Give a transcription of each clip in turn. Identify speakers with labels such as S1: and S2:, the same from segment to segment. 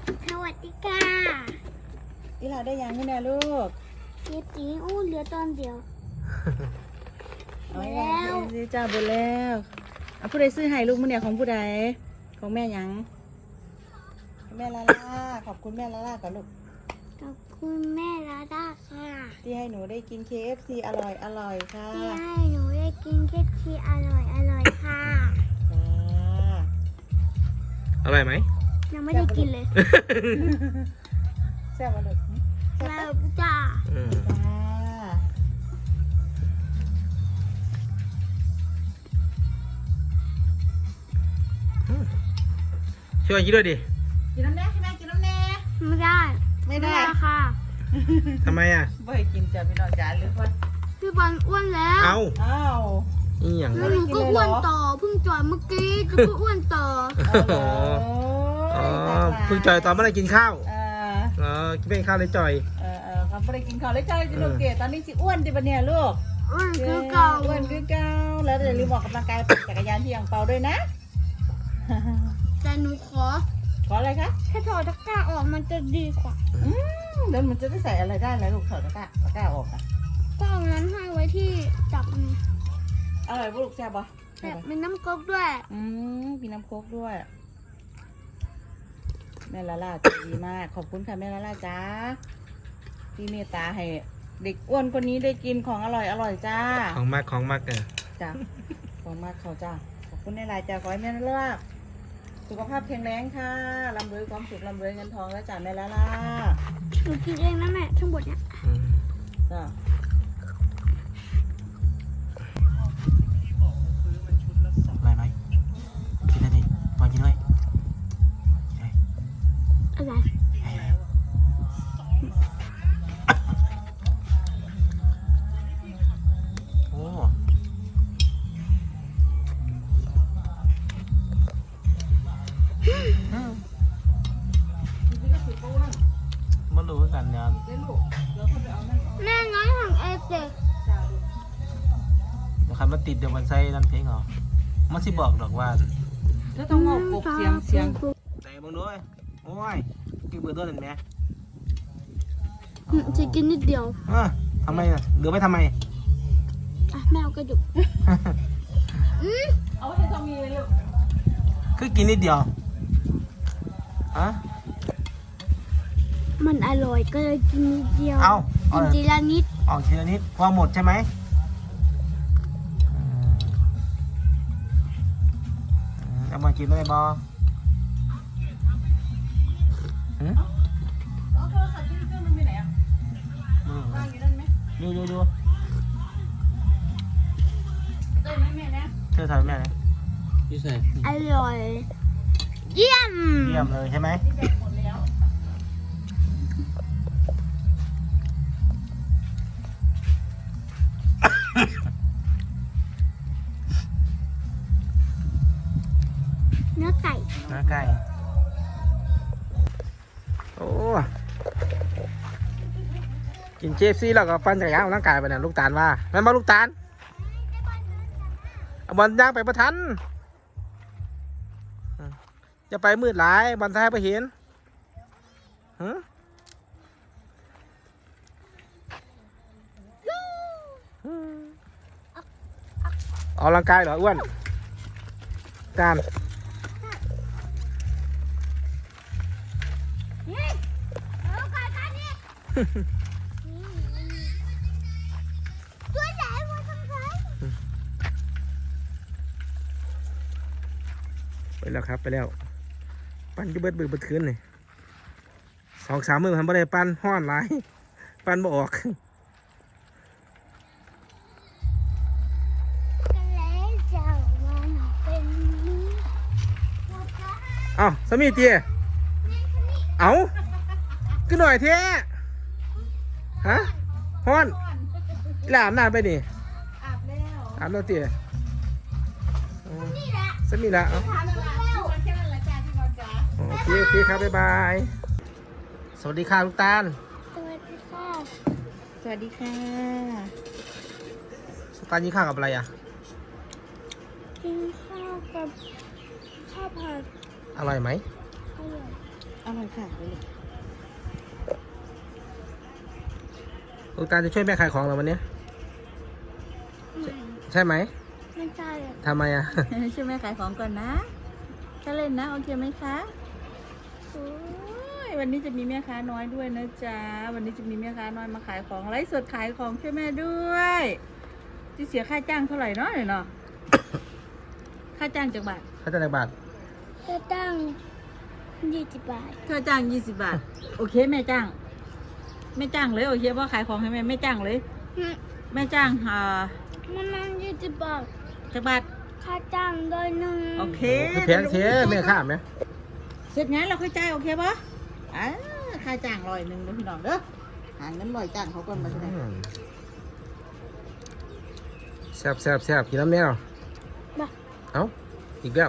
S1: สวัสดีค่ะ
S2: อีหลาได้ยังนี่นะลูก
S1: เจ๊ตีอู้เหลือตอนเดียว
S2: แล้วซื้อจ้าไปแล้วเอาผู้ใดซื้อให้ลูกมื้อเนี่ยของผู้ใดของแม่ยังแม่ลาล่าขอบคุณแม่ลาล่าก่อนลูก
S1: ขอบคุณแม่ลาด้าค่ะ
S2: ที่ให้หนูได้กิน KFC อร่อยค่ะ
S1: ที่ให้หนูได้กินเค้กที่อร่อยค่ะ
S2: จ้า
S3: อร่อยไหม
S1: ยังไม่ได้กินเลย
S2: แซ่บมาลูกแซ่บ
S1: แล้
S2: ปะ
S1: วจ้า
S2: จ้า
S3: ช่วยกินด้วยดิ
S2: กินน้ำแน่ให้แม่กินน้ำแน่
S1: ไม่ได้
S2: ไม่ได้
S1: ค่ะ
S3: ทำไมอ่ะ
S2: ไม่ให้กินจ้าพี่น้องจ๋าหรือว่า
S1: พี่บอลอ้วนแล้ว
S3: เอา
S2: อ้าว
S3: อีหยัง
S1: แล้ว
S3: วะ
S1: หนูก็อ้วนต่อเพิ่งจอยเมื่อกี้จะก็อ้วนต่อ
S3: อ๋อเพิ่งจ่อยตอนเมื่อไรกินข้าว
S2: เออ
S3: กินเป็นข้าวเลยจ่อย
S2: เขาไม่ได้กินข้าวเลยจ้าจิลูกเกดตอนนี้สิอ้วนดิบะเนี่ยลูก
S1: อ้วนคือเก่า
S2: อ้วนคือเก่าแล้วอย่าลืมออกกำลังกายปั่นจักรยานที่ยังเปาด้วยนะ
S1: แต่หนูขอ
S2: ขออะไรคะ
S1: ถ้าถอดตะกร้าออกมันจะดีกว่า
S2: แล้วมันจะได้ใส่อะไรได้แล้วลูกถอดตะกร้าออกอ่ะ
S1: ก็เอานั้นให้ไว้ที่จับมัน
S2: อร่อยปะลูกแซ่บปะ
S1: แต่มีน้ำก๊อกด้วย
S2: มีน้ำโค้กด้วยแม่ลาล่าใจดีมากขอบคุณค่ะแม่ลาล่าจ้าที่เมตตาให้เด็กอ้วนคนนี้ได้กินของอร่อยจ้า
S3: ของมาก
S2: จ้าของมากเขาจ้าขอบคุณในรายจ้าขอให้แม่ลาล่าสุขภาพแข็งแรงค่ะร่ำรวยความสุขร่ำรวยเงินทองแล้วจ้าแม่ลาล่า
S1: หนูกินเองนะแม่ทั้งหมดเนี่ย
S2: จ้า
S3: อร่อยไหมกินได้ดิพอกินด้วย
S1: อะไร
S3: โอ้มาดูกันเนี่ย
S1: แม่น้อยของเอเด็ก
S3: เดี๋ยวคันมาติดเดี๋ยวมันใส่นั่นเพลงเหรอมันสิบอกดอกว่า
S2: แล้วต้องงอกกบเสียง
S3: แต่มึงด้วยโอ้ยกินเบื่อตัวหนึ่งแม่
S1: จะกินนิดเดียว
S3: ทำไมอ่ะเหลือไม่ทำไม
S1: อ่ะแม่เอากระดูก
S2: เอาให้ทอมีเลยลูก
S3: คือกินนิดเดียวฮะ
S1: มันอร่อยก็เลยกินนิดเดียว
S3: เอา
S1: กินทีละนิด
S3: ออกทีละนิดพอหมดใช่ไหมเอามากินได้บอ
S2: เอาโทรศัพท์ที่เครื่องมันไปไหนอ่ะวางอยู่นั่นไหม
S3: ดู
S2: ได้ไหมแม่นะ
S3: เธอทำแม่เลยยี่สิบ
S1: อร่อย เยี่ยม
S3: เยี่ยมเลยใช่ไหม
S2: แบ่งหมดแล้ว
S1: เนื้อไก่
S3: น้าไก่โอ้กินเจฟซี่แล้วก็ปั้นจักรยานออกร่างกายไปเนี่ยลูกตาลว่าแม่นบอลูกตาลเอาบอลย่างไปประทันจะไปมืดหลายบอลท้ายไปเห็นออกร่างกายเหรออ้วนตาล
S1: นี่เอาไก่กันนี่ตัวใหญ่กว่าทั้งไทย
S3: ไปแล้วครับไปแล้วปั้นก็เบิดคืนเลย2-3 มื้อทำบ่ได้ปั้นห้อนหลายปั้นบ่ออกเอ้าสามีเตี้ยเอ้าขึ้นหน่อยเท่ฮะฮ้อนอีหลาอาบน้ำไปนี่
S2: อาบแล้ว
S3: อาบแล้วเตี้ย
S1: นี่แหละ
S3: สามีละเอ้า
S2: ทานอะไรแค่นั้นแหละจ้าที่นอนจ้า
S3: โอเคครับบ๊ายบายสวัสดีค่ะลูกตาล
S1: สวัสดีค่ะ
S2: สวัสดีค่ะ
S3: ลูกตาลกินข้าวกับอะไรอ่ะ
S1: กินข้าวกับข้าวผัด
S3: อร่อยไหม
S1: อร่อย
S2: อร่อยค่ะเดี๋ยวลูก
S3: ลูกตาลจะช่วยแม่ขายของเหรอวันนี้ใช่ไหม
S1: ไม่ใช่เลย
S3: ทำไมอ่ะ
S2: ช่วยแม่ขายของก่อนนะก็เล่นนะโอเคไหมคะโอ้ยวันนี้จะมีแม่ค้าน้อยด้วยนะจ๊ะวันนี้จะมีแม่ค้าน้อยมาขายของไลฟ์สดขายของช่วยแม่ด้วยจะเสียค่าจ้างเท่าไหร่เนาะเนาะ ค่าจ้างจากบาท
S3: เขาจะได้บาท
S1: จะตั้ง20 บาท
S2: ค่าจ้าง20 บาทโอเคแม่จ้างแม่จ้างเลยโอเคว่าขายของให้แม่แม่จ้างเลยแม่จ้าง
S1: มัน20 บาท
S2: จากบาท
S1: ค่าจ้างด้วยหนึ่ง
S2: โอเค
S3: คือแพงเสียแม่ข้ามไหม
S2: เสร็จงานเราค่อยจ่ายโอเคปะค่าจ้าง100นะพี่น้องเด้อหาเงิน100จ้างเขาก่อนมาใช่ไหม
S3: แซ่บแซ่บแซ่บกินน้ำแมว
S1: บ่
S3: เอ้าอีกแล้ว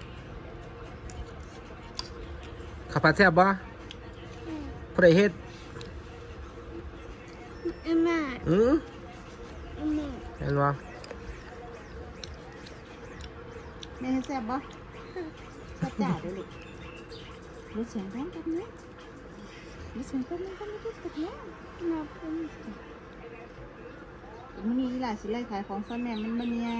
S3: ข้าวผัดแซ่บบ่ผู้ใดเฮ็ด
S1: แม่
S3: อืม
S1: แม่
S3: เห็นบ่
S2: แม่ให้แซ่บปะแซ่บจ้าเด้อลูกรถเสียงแรงกันนะรถเสียงกันนะกันนะกันนะ
S1: แม่เป็น
S2: มันนี่หลายสิไล่ขายของซ่อนแม่มันมันเนี่ย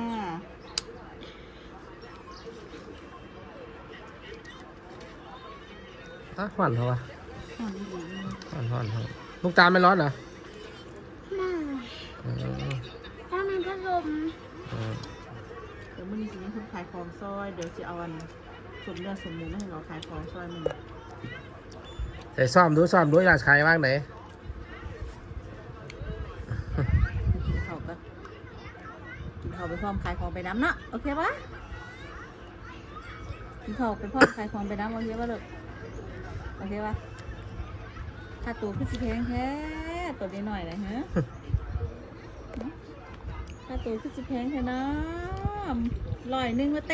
S3: อ่ะหวานเหรอวะ
S2: หอมดี
S3: หวานหวานหวานลูกตาลไม่ร้อนเหรอ
S1: แม่
S3: อืม
S1: ถ้ามีพัดลม
S3: อืม
S2: เดี๋ยวมันนี่สิมีคนขายของซอยเดี๋ยวจะเอาอันสมเนื้อสมหมูมาให้เราขายของซอยมัน
S3: ใส่ซ่อมดูอยากขายบ้างไหน
S2: กินข้าวกันกินข้าวไปพร้อมขายของไปน้ำเนาะโอเคปะกินข้าวไปพร้อมขายของไปน้ำโอเคปะลูกโอเคปะค่าตัวคือสิแพงแท้ตัวนี้หน่อยนะฮะค่าตัวคือสิแพงแท้นะ100มาตี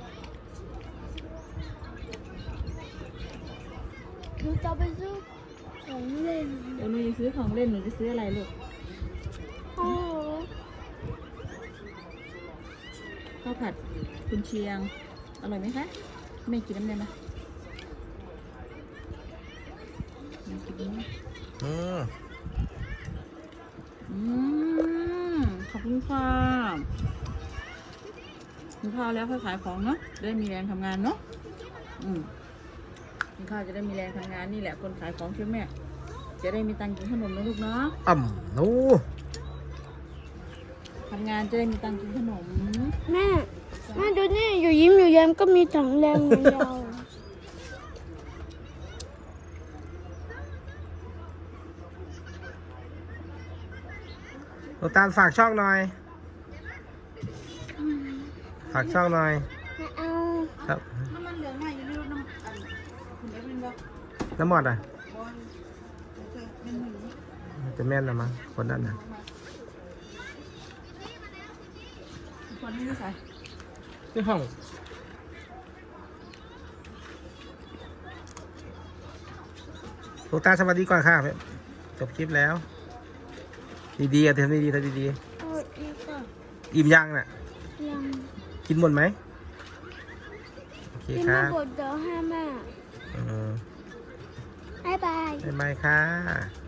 S1: หนูจะไปซื้อของเล่น
S2: เดี๋ยวหนูจะซื้อของเล่นหนูจะซื้ออะไรลูก
S1: โอ้
S2: ข้าวผัดกุนเชียงอร่อยไหมคะแม่กินน้ำได้ไหมแม่กินไหม
S3: อืม
S2: อืมขอบคุณค่ะกินข้าวแล้วค่อยขายของเนาะจะได้มีแรงทำงานเนาะกินข้าวจะได้มีแรงทำงานนี่แหละคนขายของช่วยแม่จะได้มีตังค์กินขนมนะลูกเนาะ
S3: หนู
S2: ทำงานจะได้มีตังค์กินขนม
S1: แม่ดูนี่อยู่ยิ้มอยู่แย้มก็มีถังแรงเหมือนเรา
S3: ลูกตาลฝากช่องหน่อย ฝากช่องหน่อย
S1: ไม่เอา
S3: ครับ
S2: น้ำมันเหลืองใหม่อยู่ในรถน้ำอันคุณเอฟเป็นบ่
S3: น้ำมอดอ่ะ
S2: บอลเป็นหนึ่ง
S3: จะแม่นนะมั้งคนนั้นน่ะ
S2: คนนี้ใส่
S3: ที่ห้องลูกตาลสวัสดีก่อนค่ะจบคลิปแล้ว ดีๆอ่ะทำดีๆทำดี
S1: โอ้ยนี่ก็
S3: ๆอิ่มยังน่ะ
S1: ยัง
S3: กินหมดไหมโอเค
S1: กิน
S3: ค
S1: มา
S3: รับ
S1: บดเดี๋ยวให้แม่
S3: อืม
S1: บ๊ายบาย
S3: บ๊ายบายค่ะ